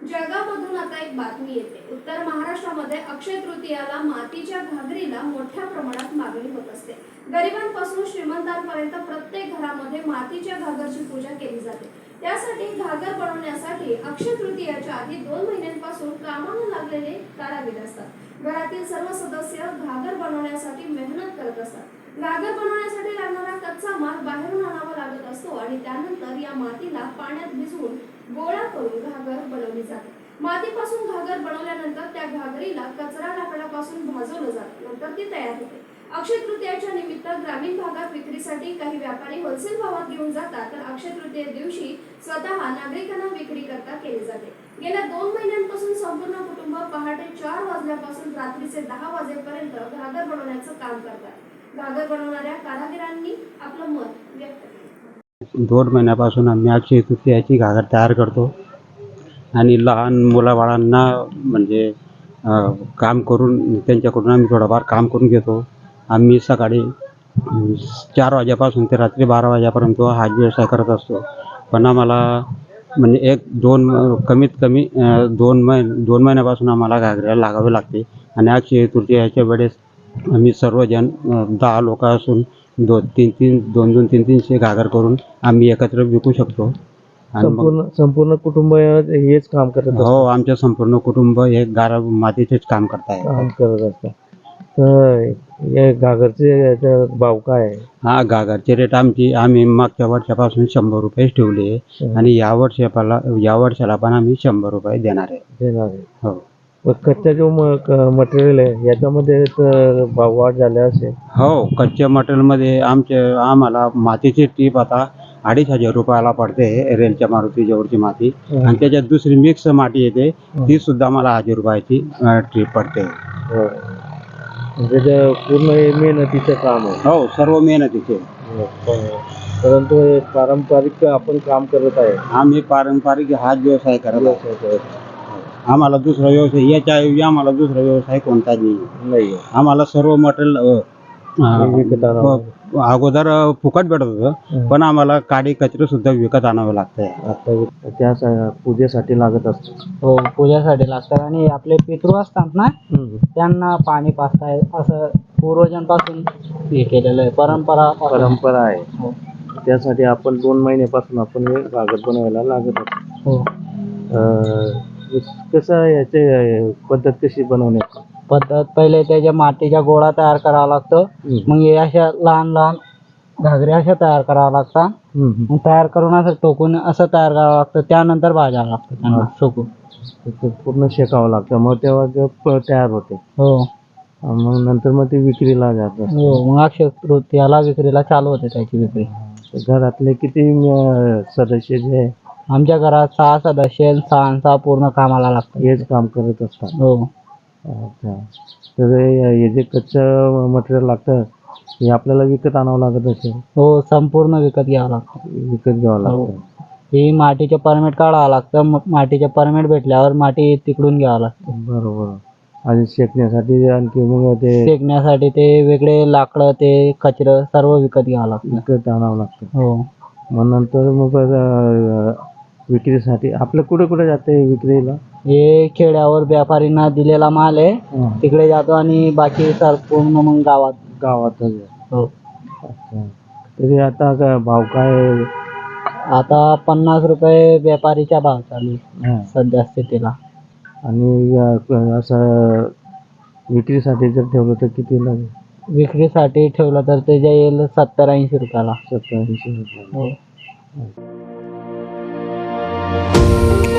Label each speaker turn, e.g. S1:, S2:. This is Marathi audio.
S1: जळगावमधून आता एक बातमी येते। उत्तर महाराष्ट्रामध्ये अक्षय तृतीयाला मातीच्या घागरीला मोठ्या प्रमाणात मागणी होत असते। गरिबांपासून श्रीमंतांपर्यंत प्रत्येक घरामध्ये मातीच्या घागरची पूजा केली जाते। त्यासाठी घागर बनवण्यासाठी अक्षय तृतीयाच्या आधी 2 महिन्यांपासून कामाला लागलेले कारागीर असतात। घरातील सर्व सदस्य घागर बनवण्यासाठी मेहनत करत असतात। घागर बनवण्यासाठी लागणारा कच्चा माल बाहेरून आणावा लागत असतो आणि त्यानंतर या मातीला पाण्यात भिजवून गोळा करून घागर बनवली जाते। मातीपासून घागर बनवल्यानंतर त्या घागरीला कचरा लाकडापासून भाजवलं जातं, नंतर ती तयार होते। अक्षय तृतीयाच्या निमित्त ग्रामीण भागात विक्रीसाठी काही व्यापारी होलसेल भावात घेऊन जातात, तर अक्षय तृतीये दिवशी स्वतः नागरिकांना विक्री करता केली जाते। गेल्या 2 महिन्यांपासून संपूर्ण कुटुंब पहाटे 4 वाजल्यापासून रात्रीचे 10 वाजेपर्यंत घागर बनवण्याचं काम करतात। घागर बनवणाऱ्या कारागिरांनी आपलं मत व्यक्त केलं।
S2: 2 महिन्यापासून आम्ही अक्षय तृतीयाची घागर तयार करतो आणि लहान मुलाबाळांना म्हणजे काम करून त्यांच्याकडून आम्ही थोडंफार काम करून घेतो। आम्ही सकाळी 4 वाजेपासून ते रात्री 12 वाजेपर्यंत हा व्यवसाय करत असतो। पण आम्हाला म्हणजे कमीत कमी 2 महिन्यापासून आम्हाला घागऱ्याला लागावे लागते आणि अक्षय तृतीयाच्या वेळेस आम्ही सर्वजण 10 लोक असून 2-300 घागर करून आम्ही एकत्र विकू शकतो।
S3: संपूर्ण कुटुंब हेच काम करत असतं?
S2: हो, आमचे संपूर्ण कुटुंब हे मातीचेच काम करत असतात।
S3: तर या घागरचे भाव काय आहे?
S2: हा, घागरचे रेट आम्ही मागच्या वर्षापासून 100 रुपये ठेवले आणि या वर्षाला पण आम्ही 100 रुपये देणार आहे। हो,
S3: कच्चा जो मटेरियल आहे याच्यामध्ये तर भाव वाढ झाले असेल?
S2: हो, कच्च्या मटेरियलमध्ये आम्हाला मातीची टीप आता 2,500 रुपयाला पडते। रेलच्या मारुती जवळची माती आणि त्याच्यात दुसरी मिक्स माती येते, ती सुद्धा मला 1000 रुपयाची टीप पडते।
S3: म्हणजे ते पूर्ण मेहनतीचं काम आहे?
S2: हो, सर्व मेहनतीचे।
S3: परंतु पारंपरिक आपण काम करत आहे?
S2: आम्ही पारंपरिक हाच व्यवसाय करत आहे। आम्हाला दुसरा व्यवसाय याच्याऐवजी आम्हाला दुसरा व्यवसाय कोणताच नाही। आम्हाला सर्व मटेरियल अगोदर फुकट भेटत होतं, पण आम्हाला काडी कचरे सुद्धा विकत आणावं लागतंय।
S3: आता त्या पूजेसाठी लागत असतं?
S4: हो, पूजेसाठी लागतात आणि आपले पितृ असतात ना, त्यांना पाणी पाजताय असं पूर्वजांपासून हे केलेलं आहे, परंपरा
S3: आहे।
S4: हो,
S3: त्यासाठी आपण 2 महिन्यापासून आपण हे घागर बनवायला लागत असतो।
S4: हो।
S3: कसं याचे पद्धत कशी बनवण्याची?
S4: पद्धत पहिले त्याच्या मातीच्या गोळा तयार करावा लागतो, मग हे अशा लहान लहान घागऱ्या अशा तयार कराव्या लागतात। मग तयार करून असं टोकून असं तयार करावं लागतं, त्यानंतर भाजावं लागतं त्यांना सुकून।
S3: पूर्ण शेकावं लागतं, मग तेव्हा तयार होते?
S4: हो,
S3: मग नंतर मग ती विक्रीला जातात?
S4: हो, मग अक्षय तृतीयाला विक्रीला चालू होते त्याची विक्री।
S3: घरातले किती सदस्य जे आहे?
S4: आमच्या घरात 6 सदस्य, 6 पूर्ण कामाला लागतात,
S3: हेच काम करत असतात?
S4: हो।
S3: अच्छा, तर हे जे कच्चं मटेरियल लागतं हे आपल्याला विकत आणावं लागत असेल?
S4: हो, संपूर्ण विकत घ्यावं लागतं।
S3: विकत घ्यावं लागतं?
S4: ही मातीचे परमिट काढावं लागतं, मग मातीचे परमिट भेटल्यावर माती तिकडून घ्यावं लागतं।
S3: बरोबर। आणि शेकण्यासाठी आणखी मग ते
S4: शेकण्यासाठी ते वेगळे लाकडं, ते कचरं सर्व विकत घ्यावं लागतं,
S3: विकत आणावं लागतं?
S4: हो।
S3: मग नंतर मग विक्रीसाठी आपलं कुठे कुठे जाते विक्रीला?
S4: हे खेड्यावर व्यापारींना दिलेला माल आहे, तिकडे जातो आणि बाकी पूर्ण मग
S3: गावातच?
S4: हो।
S3: अच्छा, तरी आता भाव काय?
S4: आता 50 रुपये व्यापारीचा भाव चालू आहे सध्या स्थितीला।
S3: आणि असं विक्रीसाठी जर ठेवलं तर किती लागेल?
S4: विक्रीसाठी ठेवलं तर ते जाईल 70-80 रुपयाला।
S3: 70-80 रुपये?
S4: हो।